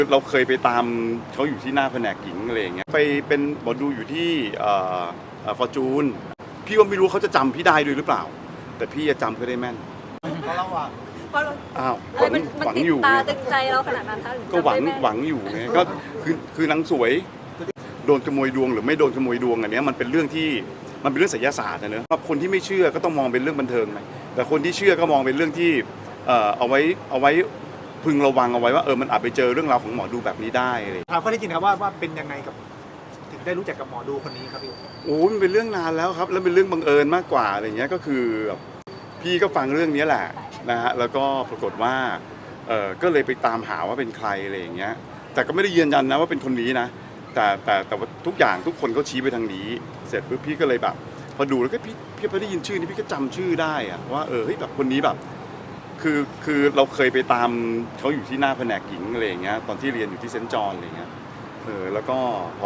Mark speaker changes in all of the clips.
Speaker 1: เราเคยไปตามเขาอยู่ที่หน้าแผนกหญิงอะไรอย่างเงี้ยไปเป็นหมอดูอยู่ที่ฟอร์จูนพี่ก็ไม่รู้เขาจะจำพี่ได้ด้วยหรือเปล่าแต่พี่จะจำเขาได้แม่น
Speaker 2: เพราะเราอะ
Speaker 3: เพราะเรา
Speaker 1: อ้าว
Speaker 3: อะไรมัน
Speaker 1: หวัง
Speaker 3: ติด
Speaker 1: อยู่
Speaker 3: ตาตึงใจเราขนาดนั้นคะ
Speaker 1: ก็หวัง
Speaker 3: จำได้แม่น
Speaker 1: หวังอยู่ไงก็คือนางสวยโดนขโมยดวงหรือไม่โดนขโมยดวงอันเนี้ยมันเป็นเรื่องที่มันเป็นเรื่องไสยศาสตร์นะเนอะคนที่ไม่เชื่อก็ต้องมองเป็นเรื่องบันเทิงไหมแต่คนที่เชื่อก็มองเป็นเรื่องที่เอาไว้พึงระวังเอาไว้ว่ามันอาจไปเจอเรื่องราวของหมอดูแบบนี้ได้อะไร
Speaker 2: ถามข้อที่จริงครับว่าเป็นยังไงกับถึงได้รู้จักกับหมอดูคนนี้ครับพี่
Speaker 1: โอ้มันเป็นเรื่องนานแล้วครับแล้วเป็นเรื่องบังเอิญมากกว่าอะไรเงี้ยก็คือพี่ก็ฟังเรื่องนี้แหละนะฮะแล้วก็ปรากฏว่าก็เลยไปตามหาว่าเป็นใครอะไรอย่างเงี้ยแต่ก็ไม่ได้ยืนยันนะว่าเป็นคนนี้นะแต่ว่าทุกอย่างทุกคนก็ชี้ไปทางนี้เสร็จปุ๊บพี่ก็เลยแบบพอดูแล้วก็พี่พอได้ยินชื่อนี้พี่ก็จำชื่อได้อะว่าเฮ้ยแบบคนนี้แบบคือเราเคยไปตามเขาอยู่ที่หน้าแผนกหญิงอะไรอย่างเงี้ยตอนที่เรียนอยู่ที่เซนต์จอห์นอะไรอย่างเงี้ยแล้วก็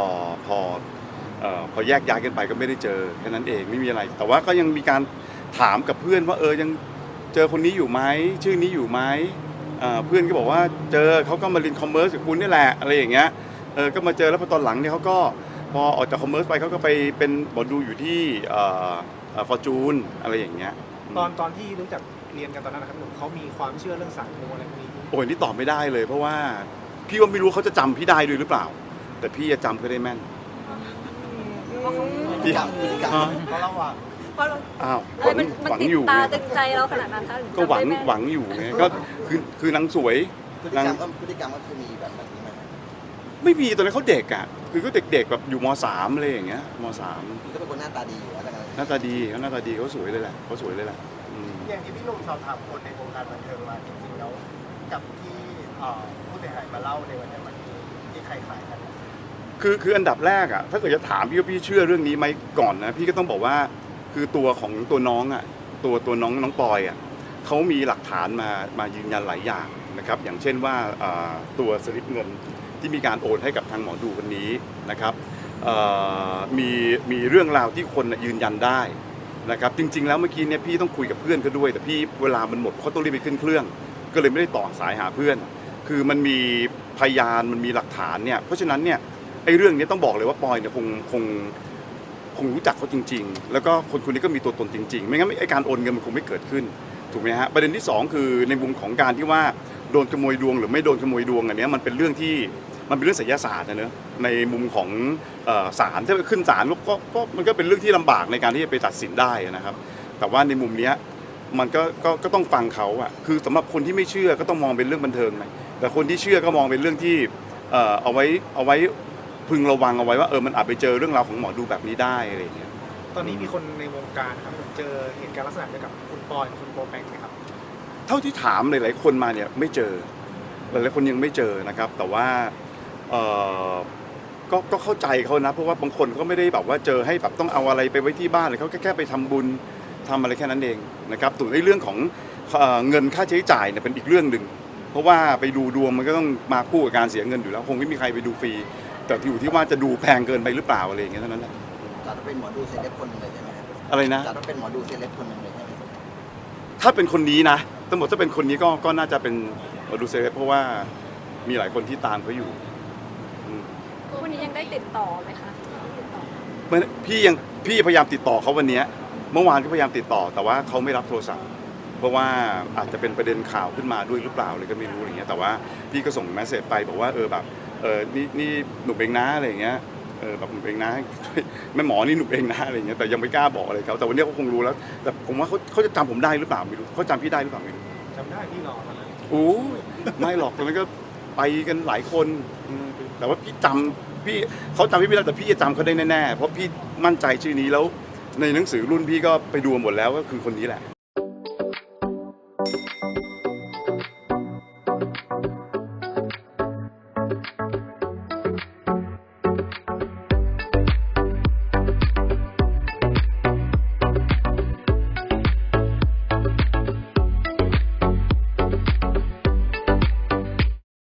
Speaker 1: พอแยกย้ายกันไปก็ไม่ได้เจอแค่นั้นเองไม่มีอะไรแต่ว่าก็ยังมีการถามกับเพื่อนว่ายังเจอคนนี้อยู่ไหมชื่อนี้อยู่ไหมเพื่อนก็บอกว่าเจอเขาก็มาเรียนคอมเมอร์สกับคุณนี่แหละอะไรอย่างเงี้ยก็มาเจอแล้วพอตอนหลังเนี่ยเขาก็พอออกจากคอมเมอร์สไปเขาก็ไปเป็นหมอดูอยู่ที่ฟอร์จูนอะไรอย่างเงี้ย
Speaker 2: ตอนที่รู้จักเรียนกันตอนนั้นนะครับหนุ่มเขามีความเชื่อเรื่องสายมูอะไรพวกนี้
Speaker 1: โอ้ยนี่ตอบไม่ได้เลยเพราะว่าพี่ก็ไม่รู้เขาจะจำพี่ได้ด้วยหรือเปล่าแต่พี่จะจำเขาได้แม่น
Speaker 2: พฤติกรรมเพราะเราอะ
Speaker 3: เพราะเรา
Speaker 1: อ้าว
Speaker 3: อะไรมัน
Speaker 1: หวัง
Speaker 3: ติด
Speaker 1: อยู่
Speaker 3: ตาตึงใจเราขนาดนั้นคะ
Speaker 1: ก็หวัง
Speaker 3: จำได้แม่น
Speaker 1: หวังอยู่ไงก็คือนางสวย
Speaker 4: พฤติกรรมก็คือมีแบบนี้ไหม
Speaker 1: ไม่มีตอนนั้นเขาเด็กอ่ะคือก็เด็กๆแบบอยู่ม.3 อะไรอย่างเงี้ยม.3
Speaker 4: ก็เป็นคนหน้าตาดีอยู่แล้วกัน
Speaker 1: หน้าตาดีเขาหน้าตาดีเขาสวยเลยแหละเขาสวยเลยแหละ
Speaker 2: อย่างที่พี่หนุ่มสอบถามคนในวงการบันเทิงมาจริงๆแล้วกับที่ผู้เสียหายมาเล่าในวันนี้มันมีที่ใครขายกัน
Speaker 1: คืออันดับแรกอ่ะถ้าเกิดจะถามพี่ว่าพี่เชื่อเรื่องนี้ไหมก่อนนะพี่ก็ต้องบอกว่าคือตัวของตัวน้องอ่ะตัวน้องปอยอ่ะเขามีหลักฐานมายืนยันหลายอย่างนะครับอย่างเช่นว่าตัวสลิปเงินที่มีการโอนให้กับทางหมอดูคนนี้นะครับมีเรื่องราวที่คนยืนยันได้นะครับจริงๆแล้วเมื่อกี้เนี่ยพี่ต้องคุยกับเพื่อนเขาด้วยแต่พี่เวลามันหมดเขาต้องรีบไปขึ้นเครื่องก็เลยไม่ได้ต่อสายหาเพื่อนคือมันมีพยานมันมีหลักฐานเนี่ยเพราะฉะนั้นเนี่ยไอ้เรื่องนี้ต้องบอกเลยว่าปอยเนี่ยคงรู้จักเขาจริงๆแล้วก็คนนี้ก็มีตัวตนจริงๆไม่งั้นไอ้การโอนเงินมันคงไม่เกิดขึ้นถูกไหมฮะประเด็นที่2คือในมุมของการที่ว่าโดนขโมยดวงหรือไม่โดนขโมยดวงอันนี้มันเป็นเรื่องที่มันเป็นเรื่องไสยศาสตร์นะเนอะในมุมของศาลถ้าขึ้นศาลก็มันก็เป็นเรื่องที่ลำบากในการที่จะไปตัดสินได้นะครับแต่ว่าในมุมนี้มันก็ต้องฟังเขาอะคือสำหรับคนที่ไม่เชื่อก็ต้องมองเป็นเรื่องบันเทิงไหมแต่คนที่เชื่อก็มองเป็นเรื่องที่เอาไว้พึงระวังเอาไว้ว่ามันอาจไปเจอเรื่องราวของหมอดูแบบนี้ได้อะไรอย่างเงี้ย
Speaker 2: ตอนนี้มีคนในวงการครับเจอเหตุการณ์ลักษณะเดียวกับคุณปอยคุณโบแปงไหมครับ
Speaker 1: เท่าที่ถามหลายๆคนมาเนี่ยไม่เจอหลายๆคนยังไม่เจอนะครับแต่ว่าก็เข้าใจเขานะเพราะว่าบางคนเขาไม่ได้แบบว่าเจอให้แบบต้องเอาอะไรไปไว้ที่บ้านเลยเขาแค่ไปทำบุญทำอะไรแค่นั้นเองนะครับส่วนในเรื่องของเงินค่าใช้จ่ายเนี่ยเป็นอีกเรื่องหนึ่งเพราะว่าไปดูดวงมันก็ต้องมาคู่กับการเสียเงินอยู่แล้วคงไม่มีใครไปดูฟรีแต่อยู่ที่ว่าจะดูแพงเกินไปหรือเปล่าอะไรอย่างเงี้ยเท่านั้นแหละ
Speaker 4: จัดเป็นหมอดูเซเลบคนหนึ่งเลยใช่ไหม
Speaker 1: อะไรนะ
Speaker 4: จัดเป็นหมอดูเซเลบคนหนึ่งเลยใช่ไหม
Speaker 1: ถ้าเป็นคนนี้นะทั้งหมดถ้าเป็นคนนี้ก็น่าจะเป็นหมอดูเซเลบเพราะว่ามีหลายคนที่ตามเขาอยู่
Speaker 3: วันนี้ยังได้ติดต่อไหมคะ
Speaker 1: พี่พยายามติดต่อเขาวันนี้เมื่อวานก็พยายามติดต่อแต่ว่าเขาไม่รับโทรศัพท์เพราะว่าอาจจะเป็นประเด็นข่าวขึ้นมาด้วยหรือเปล่าเลยก็ไม่รู้อะไรเงี้ยแต่ว่าพี่ก็ส่งเมสเซจไปบอกว่าแบบนี่หนุ่มเองนะอะไรเงี้ยแบบหนุ่มเองนะแม่หมอนี่หนุ่มเองนะอะไรเงี้ยแต่ยังไม่กล้าบอกอะไรเขาแต่วันนี้เขาคงรู้แล้วแต่ผมว่าเขาจะจำผมได้หรือเปล่าไม่รู้เขาจำพี่ได้หรือเปล่าไม่รู้
Speaker 2: จำได้พี่รอมาแล้ว
Speaker 1: โอ้ไม่หรอกตอนนั้นก็ไปกันหลายคนแต่ว่าพี่เขาจำพี่ไม่ได้แต่พี่จะจำเขาได้แน่ๆเพราะพี่มั่นใจชื่อนี้แล้วในหนังสือรุ่นพี่ก็ไปดูหมดแล้วก็คือคนนี้แหละ